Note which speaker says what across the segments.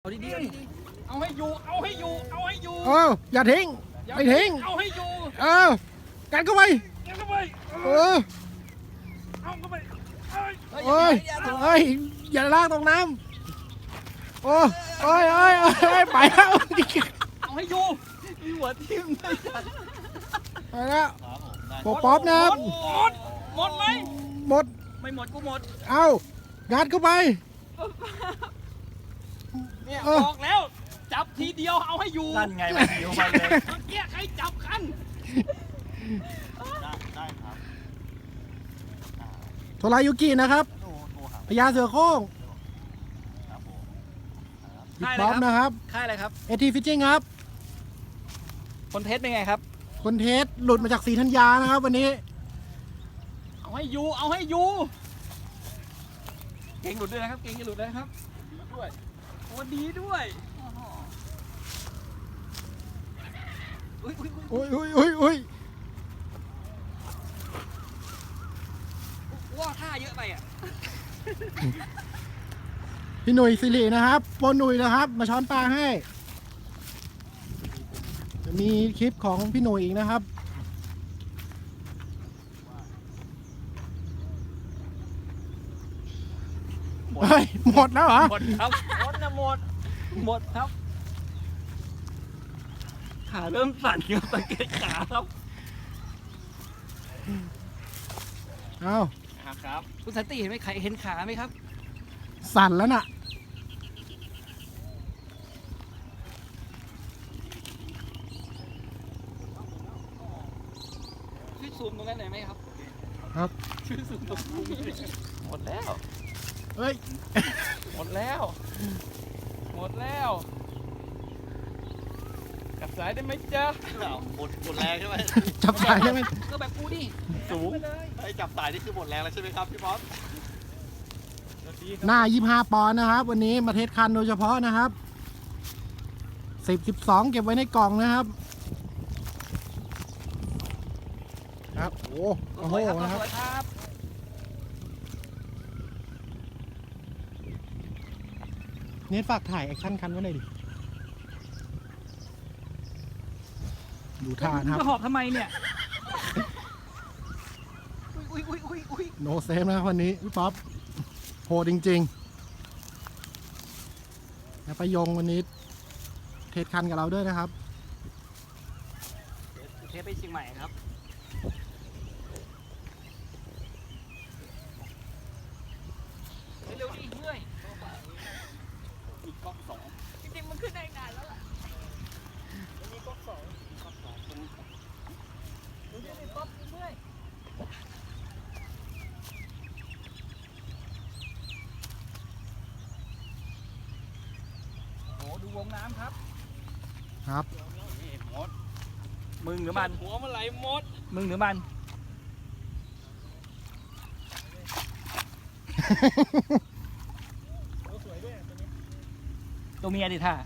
Speaker 1: เอาดีๆเอาให้อยู่
Speaker 2: อย่าทิ้งไม่ทิ้ง
Speaker 1: เอาให้อยู่
Speaker 2: กันเข้าไป
Speaker 1: กันเข้าไป
Speaker 2: เอาเข้าไปอย่าลากตรงน้ำไปแล้ว
Speaker 1: เอาให้อยู่มีหัวทิ่ม
Speaker 2: ไปแล้วโปป๊อปนะครับ
Speaker 1: หมดไหม
Speaker 2: หมด
Speaker 1: ไม่หมดกูหมด
Speaker 2: เอางัดเข้าไป
Speaker 1: เนี่ยบอกแล้วจับทีเดียวเอาให้อยู่
Speaker 3: นั่นไงมันหิวไปเลย
Speaker 1: เมื่อกี้ใครจับกัน
Speaker 3: ได้ครับ
Speaker 2: โทรายุกินะครับ
Speaker 3: โทรหา
Speaker 2: พญาเสือโคร่ง
Speaker 3: ครับผม
Speaker 2: บิ๊กป๊อปนะครับ
Speaker 1: ค่ายอะไรครับ
Speaker 2: AT Fishing ครับ
Speaker 1: คนเทสเป็นไงครับ
Speaker 2: คนเทสหลุดมาจากศรีธัญญานะครับวันนี้
Speaker 1: เอาให้อยู่เก่งหลุดด้วยนะครับเก่งจะหลุดด้วยนะครับด้วยโอ้ดีด้วยอุ้ย ว่าท่าเยอะไปอ่ะ
Speaker 2: พี่หนุ่ยสิรินะครับโปรหนุ่ยนะครับ มาช้อนปลาให้ จะมีคลิปของพี่หนุ่ยอีกนะครับเฮ้ยหมดแล้วเหรอ
Speaker 1: หมดครับหมดครับขาเริ่มสั่นครับสังเกตขาครับ
Speaker 2: เอา
Speaker 1: ครับคุณสันติเห็นไหมใครเห็นขาไหมครับ
Speaker 2: สั่นแล้วน่ะ
Speaker 1: ช่วยซูมตรงนั้นหน่อยไหมครับ
Speaker 2: ครับ
Speaker 1: ช่วยซูมตรงนี้หมดแล้ว
Speaker 2: เฮ้ย
Speaker 1: หมดแล้วกลับสายได้ไหมจ๊ะ
Speaker 3: หมดแรงใช่ไหม
Speaker 2: จับสายได้ไหม
Speaker 1: ก็แบบกูดิ
Speaker 3: สูงไอ้จับสายนี่คือหมดแรงแล้วใช่ไหมครับพี่ป๊อป
Speaker 2: หน้า25 ปอนด์นะครับ วันนี้มาเทสคันโดยเฉพาะนะครับ10 12 เก็บไว้ในกล่องนะครับ ครับโอ้โหนะครับ
Speaker 1: สวยครับ
Speaker 2: เนทฝากถ่ายแอคชั่นคันไว้หน่อยดิ ดูท่านะครับ
Speaker 1: จะหอบทำไมเนี่ยอุ้ย
Speaker 2: โนเซฟนะครับวันนี้พี่ป๊อปโหดจริงๆแล้วประยงวันนี้เทสคันกับเราด้วยนะครับ
Speaker 1: เทปไปเชียงใหม่ครับเร็วดิเมื่อยอีกก๊อกสองจริงๆมันขึ้นได้นานแล้วล่ะมีก๊อกสองดูดิก๊อกเมื่อยโอ้ดูวงน้ำครับ
Speaker 2: ครับ
Speaker 1: นี่มดมึงหรือมันหัวมันไหลมดมึงหรือมันตัวเมียดิท่า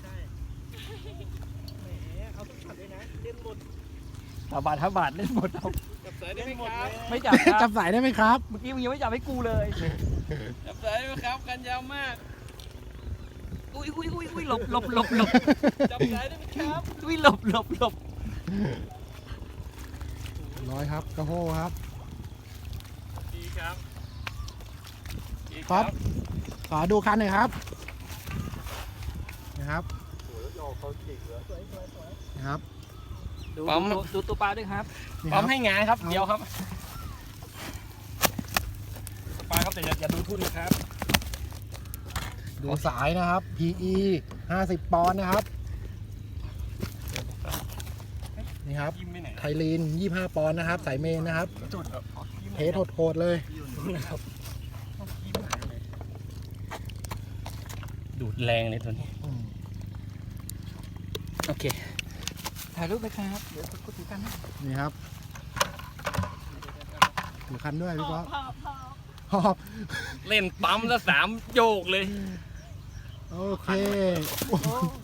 Speaker 1: ถ้าบาทเล่นหมดเอาจับสายได้ไหมครับไม่จับค
Speaker 2: จั
Speaker 1: รั
Speaker 2: บบ สายได้ไหมครับ
Speaker 1: เมื่อกี้มึงยังไม่จับให้กูเลยจับสายได้ไหมครับกันยาวมากอุ้ยหลบจับสายได้ไหมครับอุ้ยหลบ
Speaker 2: ร้อยครับกระโหครับ
Speaker 1: ดีครับ
Speaker 2: ป๊อปขอดูคันหน่อยครับนะครับนะครับ
Speaker 1: ดูตัวปลาด้วยครับ
Speaker 2: นี่ค
Speaker 1: ปั๊
Speaker 2: รั
Speaker 1: ม
Speaker 2: บ
Speaker 1: ให้งาครับเดี๋ยวครับตัวปลาครับแต่อย่าดูทุ่นนะครับ
Speaker 2: ดูสายนะครับ PE 50 ปอนด์นะครับนี่ครับ
Speaker 1: ยิ้มไปไหน
Speaker 2: ไทลีน25 ปอนด์นะครับสายเมนนะครับ
Speaker 1: จุด
Speaker 2: เทสโหดๆเลย
Speaker 1: ดูดแรงเลยตัวนี้
Speaker 2: อืม
Speaker 1: โอเคถ่ายรูปไปครับเดี๋ยวกูถือกันนะ
Speaker 2: นี่ครับถือคันด้วยพี่ป๊อปหอบ
Speaker 1: เล่นปั๊มแล้ว3 โยกเลย
Speaker 2: โอเค